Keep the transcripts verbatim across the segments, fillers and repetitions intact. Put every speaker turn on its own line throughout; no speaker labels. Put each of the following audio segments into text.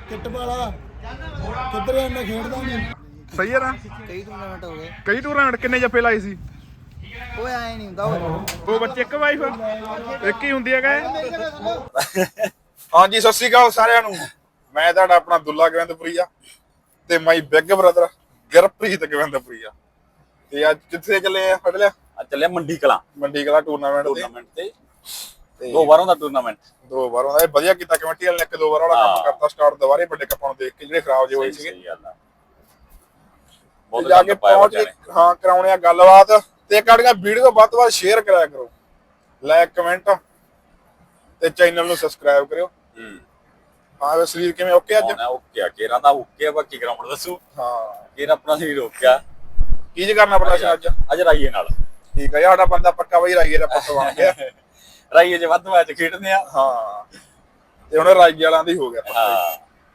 Kit ਵਾਲਾ ਕਿੱਧਰ ਇੰਨਾ ਖੇਡਦਾ ਨਹੀਂ।
ਸਹੀ ਹੈ ਨਾ।
ਕਈ ਟੂਰਨਾਮੈਂਟ ਹੋ ਗਏ।
ਕਈ ਟੂਰਨਾਮੈਂਟ ਕਿੰਨੇ ਜੱਫੇ ਲਾਏ ਸੀ?
ਓਏ ਐ ਨਹੀਂ ਹੁੰਦਾ ਓਏ।
ਦੋ ਬੱਚੇ ਇੱਕ ਵਾਈਫ ਇੱਕ ਹੀ ਹੁੰਦੀ ਹੈਗਾ।
ਹਾਂਜੀ ਸਤਿ ਸ਼੍ਰੀ ਅਕਾਲ ਸਾਰਿਆਂ ਨੂੰ। ਮੈਂ ਤੁਹਾਡਾ ਆਪਣਾ ਦੁੱਲਾ ਗਵਿੰਦਪੁਰੀਆ ਤੇ my big brother Gurpreet Gavindpuria. ਤੇ ਅੱਜ ਕਿੱਥੇ ਚੱਲੇ ਆ? ਫੜ ਲਿਆ
ਅੱਜ ਚੱਲਿਆ ਮੰਡੀ ਕਲਾ
ਮੰਡੀ ਕਲਾ ਟੂਰਨਾਮੈਂਟ
ਟੂਰਨਾਮੈਂਟ ਤੇ ਦੋ ਵਾਰਾਂ ਦਾ ਟੂਰਨਾਮੈਂਟ
ਦੋ ਵਾਰ ਉਹਦਾ ਵਧੀਆ ਕੀਤਾ ਕਮੇਟੀ ਵਾਲੇ ਨੇ। ਇੱਕ ਦੋ ਵਾਰ ਵਾਲਾ ਕੰਮ ਕਰਤਾ ਸਟਾਰਟ ਦੁਬਾਰੇ ਵੱਡੇ ਕੱਪਾਂ ਨੂੰ ਦੇਖ ਕੇ ਜਿਹੜੇ ਖਰਾਬ ਜਿਹੇ ਹੋਏ ਸੀਗੇ।
ਸਹੀ ਗੱਲ ਆ।
ਤੇ ਜਾ ਕੇ ਪਹੁੰਚ ਕੇ ਹਾਂ ਕਰਾਉਣੇ ਆ ਗੱਲਬਾਤ ਤੇ ਕਾੜੀਆਂ ਵੀਡੀਓ ਵੱਧ ਤੋਂ ਵੱਧ ਸ਼ੇਅਰ ਕਰਿਆ ਕਰੋ, ਲਾਈਕ ਕਮੈਂਟ ਤੇ ਚੈਨਲ ਨੂੰ ਸਬਸਕ੍ਰਾਈਬ ਕਰਿਓ।
ਹੂੰ
ਹਾਂ ਵੇ ਸਰੀਰ ਕਿਵੇਂ ਓਕੇ ਅੱਜ?
ਓਕੇ ਆ ਕੇਰਾ ਦਾ ਓਕੇ ਆ। ਬਾਕੀ ਗਰਾਊਂਡ ਦੱਸੂ।
ਹਾਂ
ਕੇਰਾ ਆਪਣਾ ਸਰੀਰ ਓਕਿਆ।
ਕੀ ਜੇ ਕਰਨਾ ਪੜਾ ਅੱਜ?
ਅੱਜ ਰਾਈਏ ਨਾਲ
ਠੀਕ ਹੈ, ਸਾਡਾ ਬੰਦਾ ਪੱਕਾ ਬਈ ਰਾਈਏ ਦਾ ਪੁੱਤ ਬਣ ਗਿਆ।
ਰਾਈਏ ਜੇ ਵੱਧ ਮੈਚ ਖੇਡਦੇ ਆ।
ਹਾਂ ਤੇ ਹੁਣ ਰਾਈਏ ਵਾਲਾਂ ਦੀ ਹੋ ਗਿਆ।
ਹਾਂ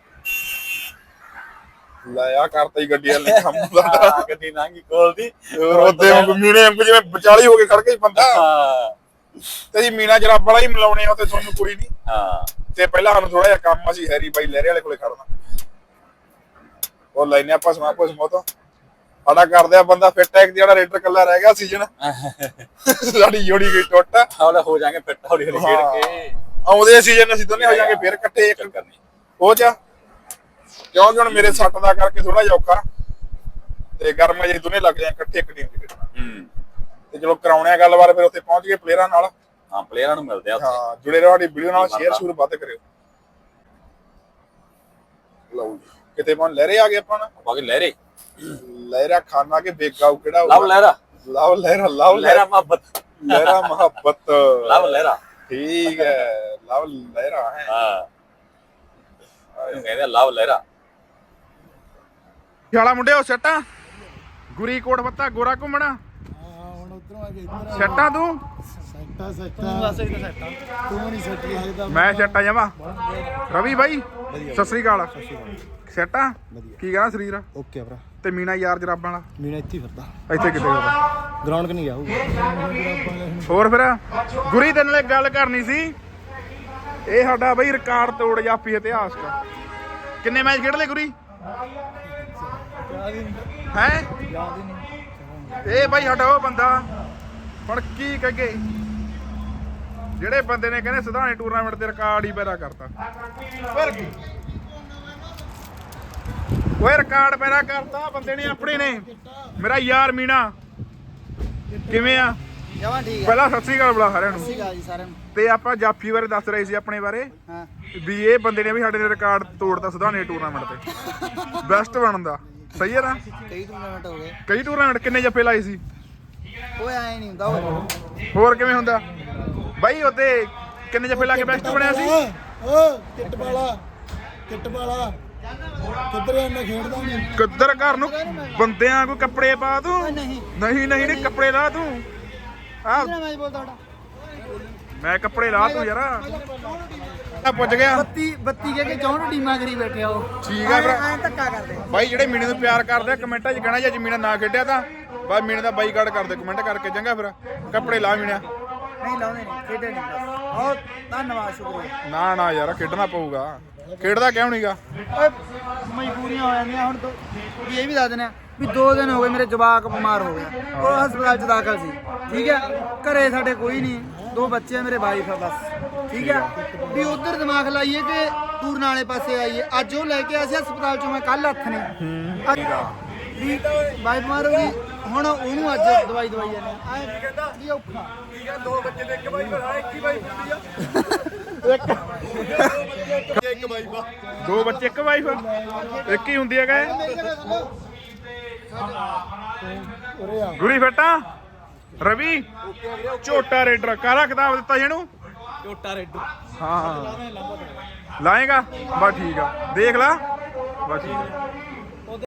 ਲੈ ਆ ਕਰਤਾ ਹੀ ਗੱਡੀ ਵਾਲੇ ਕੰਮ ਦਾ।
ਗੱਡੀ ਨਾਂਗੀ ਕੋਲ ਦੀ
ਰੋਦੇ ਮੀਨੇ ਵਾਂਗੂ ਜਿਵੇਂ ਵਿਚਾਲੀ ਹੋ ਕੇ ਖੜ ਗਿਆ ਬੰਦਾ।
ਹਾਂ
ਤੇ ਜੀ ਮੀਨਾ ਜਰਾ ਬੜਾ ਹੀ ਮਿਲਾਉਣੇ ਆ ਤੇ ਤੁਹਾਨੂੰ ਕੁੜੀ ਨਹੀਂ।
ਹਾਂ
ਤੇ ਪਹਿਲਾਂ ਸਾਨੂੰ ਥੋੜਾ ਜਿਹਾ ਕੰਮ ਅਸੀਂ ਹੈਰੀ ਬਾਈ ਲਹਿਰੇ ਵਾਲੇ ਕੋਲੇ ਖੜਨਾ। ਉਹ ਲੈਨੇ ਆਪਾਂ ਸਮਾ ਪੁੱਛ ਮੋ ਤੋਂ ਸਾਡਾ ਕਰਦੇ ਆ ਬੰਦਾ ਫਿੱਟ ਹੈ। ਜਿਹੜਾ ਰੇਡਰ ਕੱਲਾ ਰਹਿ ਗਿਆ ਸੀਜ਼ਨ ਸਾਡੀ ਜੋੜੀ ਗਈ ਟੁੱਟ।
ਹੌਲੇ ਹੋ ਜਾਾਂਗੇ ਫਿੱਟ ਹੌਲੀ ਹੌਲੀ ਖੇਡ ਕੇ।
ਆਉਂਦੇ ਸੀਜ਼ਨ ਅਸੀਂ ਦੋਨੇ ਹੋ ਜਾਾਂਗੇ ਫਿਰ ਇਕੱਠੇ ਇੱਕ
ਕਰਨੀ
ਹੋ ਜਾ। ਕਿਉਂਕਿ ਹੁਣ ਮੇਰੇ ਸੱਟ ਦਾ ਕਰਕੇ ਥੋੜਾ ਜਿਹਾ ਔਖਾ ਤੇ ਗਰਮ ਜੇ ਦੋਨੇ ਲੱਗ ਜਾਏ ਇਕੱਠੇ ਇੱਕ ਟੀਮ ਚ ਖੇਡਣਾ।
ਹੂੰ
ਤੇ ਚਲੋ ਕਰਾਉਣੇ ਆ ਗੱਲਬਾਤ ਫਿਰ ਉੱਥੇ ਪਹੁੰਚ ਗਏ ਪਲੇਅਰਾਂ ਨਾਲ।
ਹਾਂ ਪਲੇਅਰਾਂ ਨੂੰ ਮਿਲਦੇ ਆ ਉੱਥੇ।
ਹਾਂ ਜੁੜੇ ਰਹੋ ਸਾਡੀ ਵੀਡੀਓ ਨਾਲ, ਸ਼ੇਅਰ ਸ਼ੂਰ ਵੱਧ ਕਰਿਓ। ਲਓ ਜੀ ਕਿਤੇ ਪਹੁੰਚ ਲਹਿਰੇ ਆ ਗਏ ਆਪਾਂ ਨਾ।
ਬਾਕੀ ਲਹਿਰੇ
ਲਹਿਰਾ ਖਾਨਾ ਕੇ ਬੇਗਾਉ ਕਿਹੜਾ
ਲਵ ਲਹਿਰਾ
ਲਵ ਲਹਿਰਾ ਲਵ
ਲਹਿਰਾ ਮੁਹੱਬਤ
ਲਹਿਰਾ ਮੁਹੱਬਤ
ਲਵ ਲਹਿਰਾ
ਠੀਕ ਹੈ ਲਵ ਲਹਿਰਾ ਹੈ।
ਹਾਂ ਇਹਨੂੰ ਕਹਿੰਦੇ ਆ ਲਵ ਲਹਿਰਾ।
ਵਾਲਾ ਮੁੰਡਿਓ ਸੱਟਾਂ ਗੁਰੀ ਕੋਟ ਪੱਤਾ ਗੋਰਾ ਘੁੰਮਣਾ।
ਹਾਂ ਹੁਣ ਉਧਰੋਂ ਆ ਕੇ ਇੱਧਰ
ਸੱਟਾਂ ਤੂੰ
ਸੈੱਟਾ ਸੈੱਟਾ ਤੂੰ ਨਹੀਂ ਸੈੱਟ ਲੱਗਦਾ।
ਮੈਂ ਸੱਟਾਂ ਜਾਵਾਂ। ਰਵੀ ਬਾਈ ਸਤਿ ਸ੍ਰੀ ਅਕਾਲ। ਸੱਟਾਂ ਕੀ ਕਹਿਣਾ ਸਰੀਰ
ਓਕੇ ਭਰਾ।
ਤੇ ਮੀਨਾ ਯਾਰ ਜਰਾਬਾਂ ਵਾਲਾ
ਮੀਨਾ ਇੱਥੇ ਫਿਰਦਾ
ਇੱਥੇ ਕਿੱਥੇ ਗਿਆ?
ਗਰਾਊਂਡ ਕਿ ਨਹੀਂ ਗਿਆ ਹੋਊਗਾ।
ਹੋਰ ਫਿਰ ਗੁਰੀ ਦੇ ਨਾਲ ਇੱਕ ਗੱਲ ਕਰਨੀ ਸੀ। ਇਹ ਸਾਡਾ ਬਈ ਰਿਕਾਰਡ ਤੋੜ ਜਾਪੀ ਇਤਿਹਾਸ ਦਾ। ਕਿੰਨੇ ਮੈਚ ਖੇਡ ਲਏ ਗੁਰੀ ਹੈ? ਇਹ ਬਾਈ ਸਾਡਾ ਉਹ ਬੰਦਾ ਹੁਣ ਕੀ ਕਹਗੇ ਜਿਹੜੇ ਬੰਦੇ ਨੇ ਕਹਿੰਦੇ ਸਿਧਾਣੇ ਟੂਰਨਾਮੈਂਟ ਤੇ ਰਿਕਾਰਡ ਹੀ ਪੈਦਾ ਕਰਤਾ। ਪਰ ਕੀ ਓਏ ਰਿਕਾਰਡ ਪੈਦਾ ਕਰਤਾ ਬੰਦੇ ਨੇ ਆਪਣੇ ਨੇ। ਮੇਰਾ ਯਾਰ ਮੀਨਾ ਕਿਵੇਂ ਆ?
ਜਮਾਂ ਠੀਕ ਆ।
ਪਹਿਲਾਂ ਸਤਿ ਸ੍ਰੀ ਅਕਾਲ ਬੁਲਾ ਸਾਰਿਆਂ ਨੂੰ।
ਸਤਿ ਸ਼੍ਰੀ ਅਕਾਲ ਜੀ ਸਾਰਿਆਂ ਨੂੰ।
ਤੇ ਆਪਾਂ ਜਾਫੀ ਬਾਰੇ ਦੱਸ ਰਹੇ ਸੀ ਆਪਣੇ ਬਾਰੇ
ਹਾਂ
ਵੀ ਇਹ ਬੰਦੇ ਨੇ ਵੀ ਸਾਡੇ ਨੇ ਰਿਕਾਰਡ ਤੋੜਤਾ ਸਿਧਾਣੇ ਟੂਰਨਾਮੈਂਟ ਤੇ ਬੈਸਟ ਬਣਨ ਦਾ। ਸਹੀ ਹੈ ਨਾ।
ਕਈ ਟੂਰਨਾਮੈਂਟ ਹੋ ਗਏ।
ਕਈ ਟੂਰਨਾਮੈਂਟ ਕਿੰਨੇ ਜੱਫੇ ਲਾਏ ਸੀ?
ਓਏ ਐ ਨਹੀਂ ਹੁੰਦਾ ਓਏ।
ਹੋਰ ਕਿਵੇਂ ਹੁੰਦਾ ਬਾਈ? ਉੱਤੇ ਕਿੰਨੇ ਜੱਫੇ ਲਾ ਕੇ ਬੈਸਟ ਬਣਿਆ ਸੀ?
ਓ ਕਿੱਟ ਵਾਲਾ ਕਿੱਟ ਵਾਲਾ ਕਿੱਧਰ ਇੰਨਾ ਖੇਡਦਾ ਨਹੀਂ।
ਕਿੱਧਰ ਘਰ ਨੂੰ ਬੰਦਿਆਂ ਕੋਈ ਕੱਪੜੇ ਪਾ ਤੂੰ।
ਨਹੀਂ
ਨਹੀਂ ਨਹੀਂ ਨਹੀਂ ਕੱਪੜੇ ਲਾ ਤੂੰ। ਆ
ਕਿਹੜਾ ਮੈਚ ਬੋਲਦਾ ਤੁਹਾਡਾ?
ਮੈਂ ਕੱਪੜੇ ਲਾ ਤੂੰ ਯਾਰ। ਆ ਪੁੱਜ ਗਿਆ
ਬੱਤੀ ਬੱਤੀ ਕਹਿ ਕੇ ਚੌਂਹਠ ਟੀਮਾਂ ਕਰੀ ਬੈਠੇ ਆ ਉਹ।
ਠੀਕ ਆ ਭਰਾ।
ਐਂ ਧੱਕਾ ਕਰਦੇ।
ਬਾਈ ਜਿਹੜੇ ਮੀਨੇ ਨੂੰ ਪਿਆਰ ਕਰਦੇ ਆ ਕਮੈਂਟਾਂ 'ਚ ਕਹਿਣਾ ਜੇ ਅੱਜ ਮੀਨਾ ਨਾ ਖੇਡਿਆ ਤਾਂ ਬਾਈ ਮੀਨੇ ਦਾ ਬਾਈਕਾਟ ਕਰਦੇ ਕਮੈਂਟ ਕਰਕੇ। ਚੰਗਾ ਫਿਰ ਕੱਪੜੇ ਲਾ ਮੀਨਾ।
ਨਹੀਂ ਲਾਉਂਦੇ ਨਹੀਂ ਖੇਡੇ ਨਹੀਂ ਬਸ। ਬਹੁਤ ਧੰਨਵਾਦ ਸ਼ੁਕਰੀਆ।
ਨਾ ਨਾ ਯਾਰ ਖੇਡਣਾ ਪਊਗਾ। ਖੇਡਦਾ ਕਿਉਂ ਨਹੀਂਗਾ?
ਓਏ ਮਜਬੂਰੀਆਂ ਹੋ ਜਾਂਦੀਆਂ ਹੁਣ ਤੋਂ। ਵੀ ਇਹ ਵੀ ਦੱਸ ਦਿੰਦੇ ਆ ਵੀ ਦੋ ਦਿਨ ਹੋ ਗਏ ਮੇਰੇ ਜਵਾਕ ਬਿਮਾਰ ਹੋ ਗਿਆ। ਉਹ ਹਸਪਤਾਲ 'ਚ ਦਾਖਲ ਸੀ। ਠੀਕ ਹੈ ਘਰੇ ਸਾਡੇ ਕੋਈ ਨਹੀਂ। ਦੋ ਬੱਚੇ ਆ ਮੇਰੇ ਵਾਈਫ ਆ ਬਸ। ਠੀਕ ਹੈ ਵੀ ਉਧਰ ਦਿਮਾਗ ਲਾਈਏ ਕਿ ਟੂਰਨ ਵਾਲੇ ਪਾਸੇ ਆਈਏ। ਅੱਜ ਉਹ ਲੈ ਕੇ ਆਇਆ ਸੀ ਹਸਪਤਾਲ 'ਚੋਂ ਮੈਂ ਕੱਲ ਹੱਥ ਨੇ ਵੀ ਵਾਈਫ ਬਿਮਾਰ ਹੋ ਗਈ। ਹੁਣ ਉਹਨੂੰ ਅੱਜ ਦਵਾਈ ਦਵਾਈ ਜਾਂਦੇ ਆ। ਐਂ ਕਹਿੰਦਾ ਵੀ ਔਖਾ ਦੋ ਬੱਚੇ ਦੇ ਇੱਕ ਵਾਈਫ ਆ ਇੱਕ ਹੀ ਵਾਈਫ ਹੁੰਦੀ ਆ।
ਇੱਕ ਬਾਈ ਬਾ
ਦੋ ਬੱਚੇ ਇੱਕ ਵਾਈਫ ਇੱਕ ਹੀ ਹੁੰਦੀ ਹੈਗਾ। ਗੁਰੀ ਫੱਟਾ ਰਵੀ ਝੋਟਾ ਰੇਡਰ ਕਾਹਦਾ ਕਿਤਾਬ ਦਿੱਤਾ ਜਿਹਨੂੰ?
ਝੋਟਾ ਰੇਡਰ।
ਹਾਂ ਲਾਏਗਾ ਬਸ ਠੀਕ ਆ ਦੇਖ ਲਾ ਬਸ ਠੀਕ ਆ।